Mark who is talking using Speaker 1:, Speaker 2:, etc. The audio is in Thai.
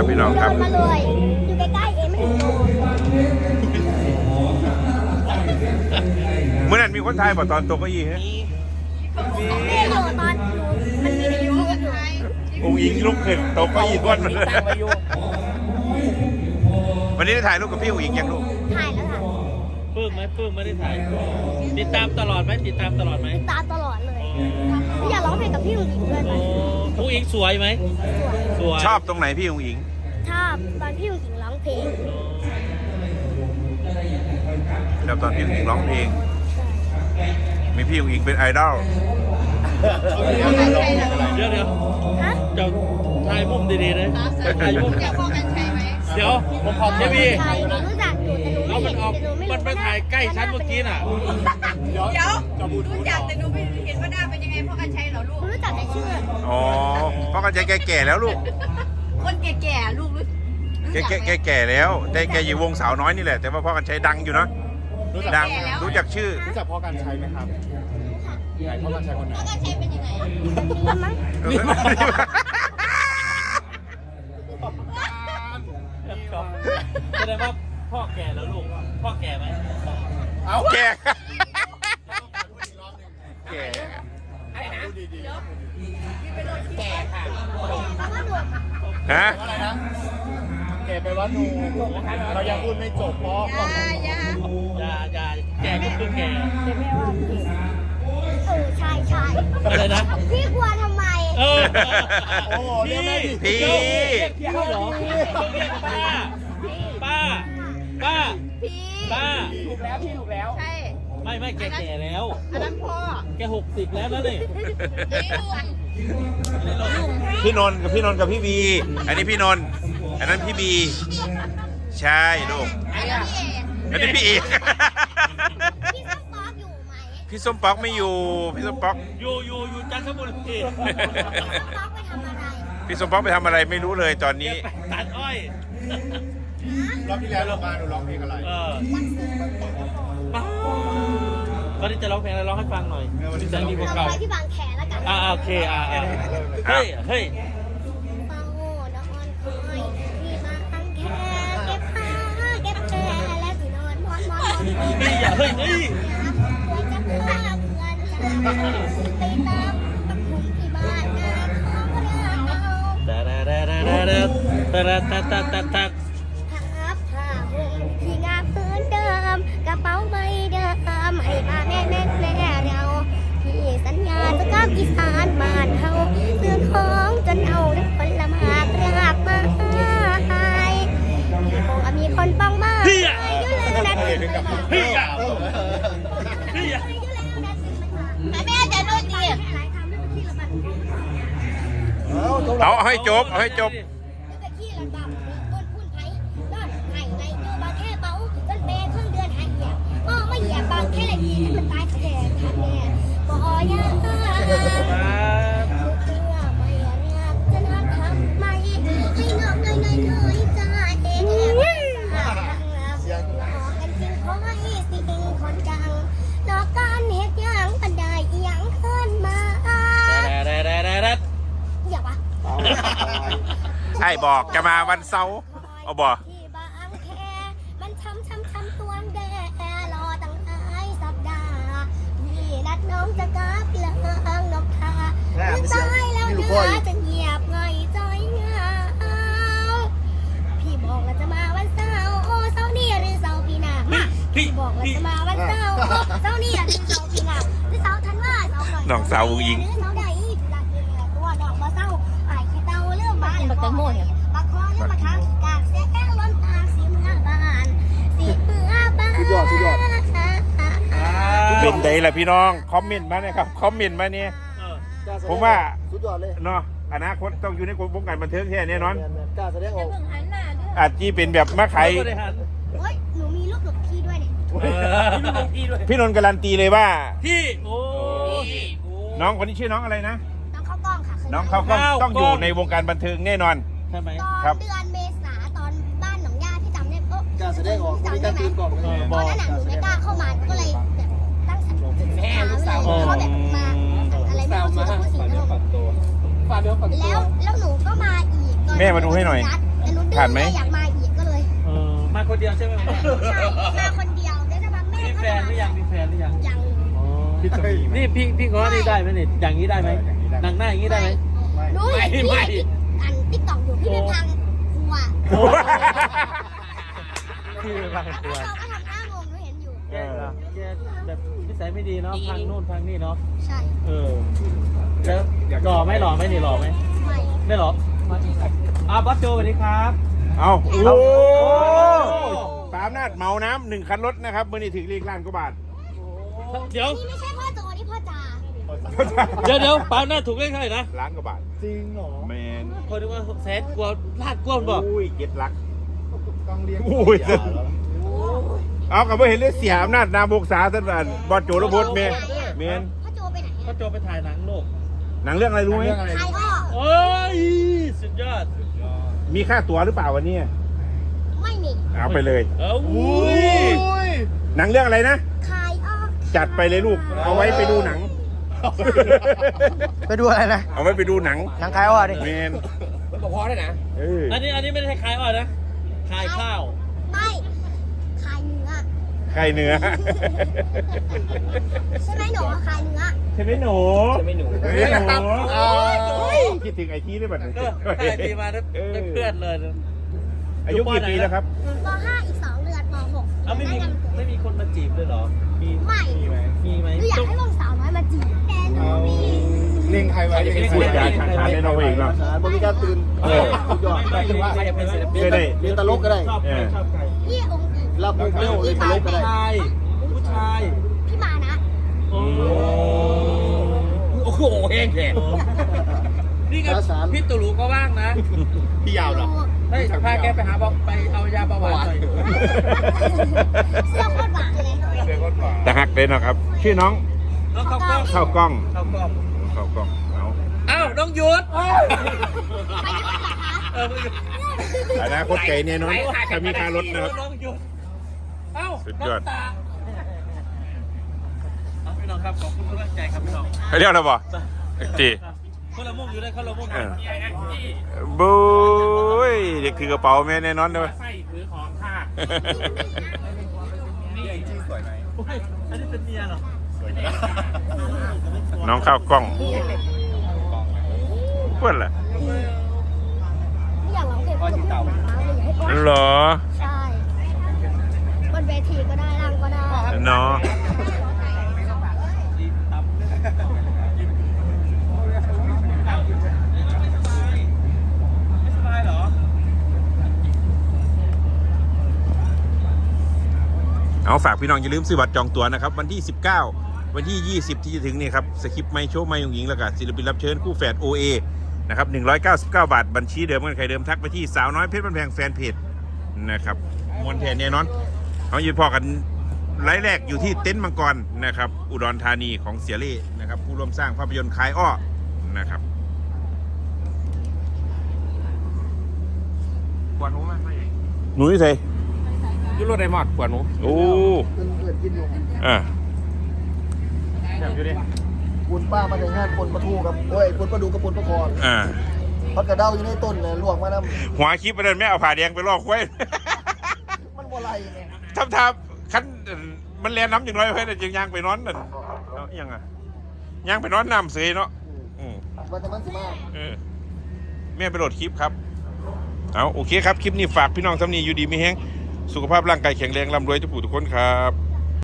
Speaker 1: พี่น้องครับ
Speaker 2: เดินมาเลยอยู่ใกล้ๆเองไม่ถึงโล
Speaker 1: เมื่อนั้นมีคนไทยบอกตอนตกเก้าอี้ฮะ
Speaker 2: นี่อยู่ตอนหนูมันมีในยูทูบอยู่
Speaker 1: องค์หญิงลุกขึ้นตกเก้าอี้ก้อนมันเลยวันนี้ได้ถ่ายรูปกับพี่องค์หญิงยังลูก
Speaker 2: ถ่ายแล้วค่ะ
Speaker 3: ปื้มไหมปื้มไม่ได้ถ่ายติดตามตลอดไหมติดตามตลอดไหม
Speaker 2: ตามตลอดเลยอยากร้องเพลงกับพี่หญิงด้วยไหม
Speaker 3: ผู้หญิงสวยไหมสวย
Speaker 1: ชอบตรงไหนพี่องค์หญิง
Speaker 2: ชอบตอนพี่หญิงร้องเพลง
Speaker 1: แล้วตอนพี่องค์หญิงร้องเพลง มีพี่องค์หญิงเป็นไอดอล
Speaker 3: เดี๋ยว
Speaker 2: ฮะ
Speaker 3: เจ้าถ่ายมุมดีๆนะถ่ายมุมเดี๋ยวผมขอเทวี
Speaker 2: ใช่หนูรู้จักอยู่แต่หนู
Speaker 3: เอา
Speaker 2: ไม่
Speaker 3: มัน
Speaker 2: เห็น
Speaker 3: ออก
Speaker 2: แต่หนูไม่รู้
Speaker 3: มันไปถ่ายใกล้ฉันเมื่อกี้น่ะ
Speaker 4: เดี๋ยวรู้จักแต่หนูไม่เห็นว่าหน้าเป็นยังไงเพราะกันใช้เหรอลูก
Speaker 2: หนูรู้จักแต่ชื่อ
Speaker 1: อ๋อเพราะกันใจแก่ๆแล้วลูก
Speaker 4: คนแก่ๆลูกรู้
Speaker 1: แก่แล้วแต่แกอยู่วงสาวน้อยนี่แหละ แต่ว่าพ่อกันใช้ดังอยู่เนาะดังรู้จักชื่อ
Speaker 5: รู้จักพ่อการใช้ไหมครับไหนพ่อการใช้คนไหน
Speaker 4: เพราะกันใช้เป็นยังไง
Speaker 2: นี่มั้ง
Speaker 3: แสดงว่าพ่อแก่แล้วลูกพ่อแก่ไหม
Speaker 5: เอา
Speaker 1: แก่ แก่
Speaker 5: ดูดี
Speaker 1: ฮะ
Speaker 5: ๆอะไรนะแกไปว่าหนูเรายังพูดไม่จบเพราะ
Speaker 3: อย่าแก่ก็คือแก่
Speaker 2: ใช่ใช่
Speaker 3: อะไรนะ
Speaker 2: พี่กลัวทำไม
Speaker 3: เออ
Speaker 5: โอ้โหเรียกแม่ดิ
Speaker 1: พี่
Speaker 3: พี่เหรอป้า
Speaker 4: พี่
Speaker 5: ถูกแล้วพี่ถูกแล้ว
Speaker 4: ใช่
Speaker 3: ไม่แกแก่แล้ว
Speaker 4: อันนั้นพ่อ
Speaker 3: แก60แล้วนะนี่
Speaker 4: นี่ลุง
Speaker 1: พี่นนท์กับพี่บี อันนี้พี่นนท์อันนั้นพี่บี ใช่ลูก
Speaker 4: อันนี้พี่เอก
Speaker 1: อันนี้พี่เอก
Speaker 2: พี่ส้มป๊อกอยู่ไหม
Speaker 1: พี่ส้มป๊อกไม่อยู่ พี่ส้มป๊อก
Speaker 3: อยู่จันทบุรี
Speaker 2: ส้มป๊อกไปทำอะไร
Speaker 1: พี่ส้มป๊อกไปทำอะไรไม่รู้เลยตอนนี้
Speaker 3: ตัดอ้อย
Speaker 5: รอบที่แล้วเรามาหนูร้องเพลงอะไร
Speaker 3: ป้าก็ที่จะร้องเพลงอะไรร้องให้ฟังหน่อยที่จะดีกว่า
Speaker 2: เรา
Speaker 3: เก่า
Speaker 2: ไปที่บางแคแล้วกัน
Speaker 3: โอเคเฮ้ย
Speaker 2: ฟังโง่นอนคอยพี่บางแคเก็บผ้าเก็บแพรแล้วที่นอนนอน
Speaker 3: นี่อย่าเฮ้ย
Speaker 2: เพื่อจะพาเพื่อนไปตามตะคุ่มที่บ้านงานของเรา
Speaker 3: ตัด
Speaker 2: ครับผ้าห่มที่งามพื้นเดิมกระเป๋าใบเดิมให้มาแน่เราพี่สัญญาจะกลับอีสานบ้านเฮาซื้อของจนเอาน้ำผลไม้รากมาให้คงมีคนป้องบ้านอยู่เลยนะแม่จะดูดี
Speaker 1: เอาให้จบ เอาให้จบ
Speaker 2: ไปขี้ระบำต้นพุ่นไผ่ยอดไผ่ไรอยู่บางแค่เบาจนเปย์ครึ่งเดือนหายเหยียบไม่เหยียบบางแค่ละทีที่มันตายแท้ทันแน่บ่อยาเพื่อไม่รักจะนัดทำไมให้งอกเลยใจเองกันจริงเพราะให้สิ่งคนดังนอกการเหตุอย่างบันไดยังขึ้นมาอย่าวะ
Speaker 1: ใช่บอกจะมาวันเสาร์เอาบอก
Speaker 2: ที่บางแคมันช้ำตัวแดรอตั้งหลายสัปดาห์พี่นัดน้องจะกลับเลิงนกทาตายแล้วเนื้อจะเงียบง่อยจ้อยเหงาพี่บอกว่าจะมาวันเสาร์โอ้เสาร์นี้หรือเสาร์ปีหน้าพี่บอกว่าจะมาวันเสาร์เสาร์นี้หรือเสาร์ปีหน้าหรือเสาร์ธันวาเสาร์ก่อน
Speaker 1: น้องสาวอุ้งอิง
Speaker 2: เสาร์ใดรักตัวดอกมาเสาร์ไอ้ขี้เต่าเรื่องบ้านบักแตงโมเนี่ยบักคอเรื่องบักทางกากเสียแก้วล้นตาสีเมื่อบ้านสีเมื่อบ้าน
Speaker 5: สุดยอด
Speaker 1: เป็นไงล่ะพี่น้อง คอมเมนต์มาเนี่ยครับ คอมเมนต์มาเนี่ยผมว่า
Speaker 5: สุดยอดเลย
Speaker 1: เนาะอนาคตต้องอยู่ในวงการบันเทิงแค่แน่นอน
Speaker 5: กล้าแสดงออก
Speaker 4: หันหน้าด้วย
Speaker 1: อาจจะเป็นแบบมาขาย
Speaker 2: โอ้ยหนูมีลูกหลบพี่ด้วยเนี่ย
Speaker 1: พี่นนท์การันตีเลยว่า
Speaker 3: พี่โอ้
Speaker 1: น้องคนนี้ชื่อน้องอะไรนะ
Speaker 2: น้องเข้ากล้องค่ะ
Speaker 1: น้องเขาก็ต้องอยู่ในวงการบันเทิงแน่นอน
Speaker 3: ใช่ไหม
Speaker 2: ต
Speaker 1: ครั
Speaker 2: อบ นเดือนเมษาตอนบ้านหนองย่าที่จำได้
Speaker 5: กล้าแสดงออกมีการตื่นก่อน
Speaker 2: ตอนนั้นหนูไม่กล้าเข้ามาก็เลยแบบตั้งสติเขาแบบมาอะไรไม่รู้ชื่อพูดสิ่งนั้น
Speaker 5: ฝากเดี๋ยวฝากตัว
Speaker 2: แล้วหนูก็มาอีก
Speaker 1: แม่มาดูให้หน่อย
Speaker 2: แต่หนู
Speaker 1: ผ่านไหม
Speaker 2: อยากมาอีกก็เลย
Speaker 3: มาคนเดียวใช่ไหม
Speaker 2: ใช่มาคนเดียวได้จะมาแม่
Speaker 3: มี
Speaker 2: ก็
Speaker 3: แฟ
Speaker 2: จะ
Speaker 3: นหรือยังมีแฟนหรือยัง
Speaker 2: ยัง
Speaker 5: คิดจะมีไหม
Speaker 3: นี่พี่ขอนี่ได้ไหมนี่อย่างนี้ได้ไหมหนังหน้าอย่างนี้ได้ไหม
Speaker 2: หนูเห็นพี่อันติ๊กต็อกอยู่พี่เป็นพังครัว
Speaker 3: พี่บางตัว
Speaker 2: เราก็ทำหน้างงหนูเห็นอยู่
Speaker 3: แกแบบนิสัยไม่ดีเนาะพังนู่นพังนี่เนาะ
Speaker 2: ใช่
Speaker 3: แล้วหล่อไหมนี่หล่อไหม
Speaker 2: ไม่
Speaker 3: ไม่หล่อบอสโจสวัสดีครับ
Speaker 1: เอาโอ้
Speaker 3: โอ้
Speaker 1: ปาล์มนาดเมาน้ำ1 คันรถนะครับมื่อนี้ถึงเลขล้านกว่าบาท
Speaker 3: เดี๋ยว
Speaker 2: นี่ไม่ใช่พ่อโจนี่พ่อจ่า
Speaker 3: เดี๋ยวปาล์มหน้าถูกเลขเท่าไหร่นะ
Speaker 1: ล้านกว่าบาท
Speaker 5: จริงเหรอ
Speaker 1: แมน
Speaker 3: คนนึกว่าแสนกว่าลาดกว่าบอก
Speaker 1: อุ้ย7 ลัก
Speaker 5: ต้องเรียก
Speaker 1: อุ้ย เอากับว่าเห็นเลยเสียอำนาจนามบกษาท่านบอสโจรพจน์เมน
Speaker 2: พ่อโจไปไหน
Speaker 3: ก็โจไปถ่ายหนังโลก
Speaker 1: หนังเรื่องอะไรรู้ไหม
Speaker 2: ใครอ้อ
Speaker 3: โอ้ยสุดยอด
Speaker 1: มีค่าตั๋วหรือเปล่าวันนี้
Speaker 2: ไม่มี
Speaker 1: เอาไปเลย
Speaker 3: อุ้ย
Speaker 1: หนังเรื่องอะไรนะ
Speaker 2: ใครอ้อ
Speaker 1: จัดไปเลยลูก เอาไว้ไปดูหนัง
Speaker 6: ไปดูอะไรนะ
Speaker 1: เอาไว้ไปดูหนัง
Speaker 6: หนังคลายอ้อดิ
Speaker 1: เมน
Speaker 5: มันบอกพอได้นะ
Speaker 1: เออ
Speaker 3: อันนี้ไม่ได้คลายอ่อนนะคลายข้าว
Speaker 2: ไม่ขายเนื้อ
Speaker 1: ไข่เนื้อ
Speaker 2: ใช่ไหมหนูขายเนื้อ
Speaker 1: ใช่ไหมหนู
Speaker 5: ใช่ไหมหนู
Speaker 1: ใช่ไหมหนูคิดถึงไอทีได้บัดนี้
Speaker 3: ก็ได้ปีมาได้เพื่อนเลย
Speaker 1: อายุกี่ปีแล้วครับ
Speaker 2: ป .5 อีก 2 เดือนป .6
Speaker 3: เอาไม่มีคนมาจีบเลยเหรอ มี
Speaker 2: ไม่
Speaker 3: มีไหม
Speaker 2: หนูอยากให้วงสาวน้อยมาจีบแต่หนูมี
Speaker 5: เลี้ยงใครไว้เลี้ยง
Speaker 1: พูดจาฉาฉานได้เราเองเนาะ
Speaker 6: บริการตื่น
Speaker 1: เออ
Speaker 6: สุดยอด
Speaker 3: ไม่ว่าใครจะเป็นศิลปิน
Speaker 1: เคยได้
Speaker 6: เรียนตลกก็ได้
Speaker 3: ชอบใครชอบใคร
Speaker 2: พี่องค์อิง
Speaker 6: รับมุกเร็วเรียนตลกก็ได้
Speaker 3: ผู้ชาย
Speaker 2: พี่มานะ
Speaker 3: โอ้โหแห้งแขกนี่ไงพี่ตุลูก็ว่างนะ
Speaker 5: พี่ยาวเหรอ
Speaker 3: เฮ้ยพาแกไปหาบอกไปเอายาเบาหวานหน่อย
Speaker 2: เสื้อโคตรหวานเลย
Speaker 5: เลี้ยงคนหวาน
Speaker 1: แต่ฮักเลยนะครับ ชื่อน้อง
Speaker 3: น้องเข้ากล้อง
Speaker 1: ข้าวกล้อง
Speaker 3: เข้ากล้อง
Speaker 1: ข้าวกล้องเอา
Speaker 3: อ้าวน้องยุทธ
Speaker 1: อนาคตไก่เนี่ยน้องถ้ามีค่ารถนะครับ
Speaker 3: น้องยุทธเอ้า
Speaker 1: สุดยอด
Speaker 3: น้ำตาเอาพี่น้องครับขอบคุณทุกกำลังใจครับพี่น้อง
Speaker 1: เรียกอะไรบ่จี
Speaker 3: คนละมุกอยู่ได้คนละมุก
Speaker 1: บุ้ยเด็กคือกระเป๋าแม่แน่นอนเลย
Speaker 3: ใส่ถือของค่ะ
Speaker 5: นี่ไอจีสวยไหม
Speaker 3: โอ้ยอันนี้เป็นเมียเหรอ
Speaker 5: สวยไหม
Speaker 1: น้องข้าวกล้องเพื่อนล่ะ
Speaker 2: ไม่อยากร้องเพลงพ่อหนูอยากให้พ่อ
Speaker 1: เหรอ
Speaker 2: ใช่บนเวทีก็ได้ล่างก็ได้
Speaker 1: เนาะ
Speaker 3: ไม่สบายเหรอ
Speaker 1: เอาฝากพี่น้องอย่าลืมซื้อบัตรจองตั๋วนะครับวันที่ 19 วันที่ 20 ที่จะถึงนี่ครับสคริปต์ไม่โชว์ไม่ยงหญิงแล้วก็ศิลปินรับเชิญคู่แฝด OA นะครับ199 บาทบัญชีเดิมกันใครเดิมทักไปที่สาวน้อยเพชรบ้านแพงแฟนเพจนะครับมวนแทนแน่นอนเขายืนพอกันไลฟ์แรกอยู่ที่เต็นท์มังกรนะครับอุดรธานีของเสียเล่นะครับผู้ร่วมสร้างภาพยนตร์คลายอ้อนะครับปวดหูมากหนูนี่ใส่
Speaker 5: ยุโรไดมอดปวดหนู
Speaker 1: โอ้
Speaker 6: เพื่อนกินอยู่
Speaker 1: อ่า
Speaker 5: แบบอยู่ดิ
Speaker 6: ปุนป้ามาถึงงานปนปลาทูกับโอ้ยปนปลาดูกับปนปลาคอน
Speaker 1: อ่า
Speaker 6: พัดกระเด้าอยู่ในต้นเลยลวกมาน้
Speaker 1: หัวคลิปประเด็นแม่เอาผ่าแดงไปลอกไว้
Speaker 6: ำมันบ่ไรไง
Speaker 1: ทำคันมันแลน้ำอย่างน้อยเพื่อนจึงย่างไปนอนนั่นเอาอิหยังอ่ะย่างไปนอนน้ำเสยเนาะอืม
Speaker 6: วันจะมันสิมา
Speaker 1: เออแม่ไปโหลดคลิปครับเอาโอเคครับคลิปนี้ฝากพี่น้องสำนีอยู่ดีไม่แห้งสุขภาพร่างกายแข็งแรงร่ำรวยทุกผู้ทุกคนครับ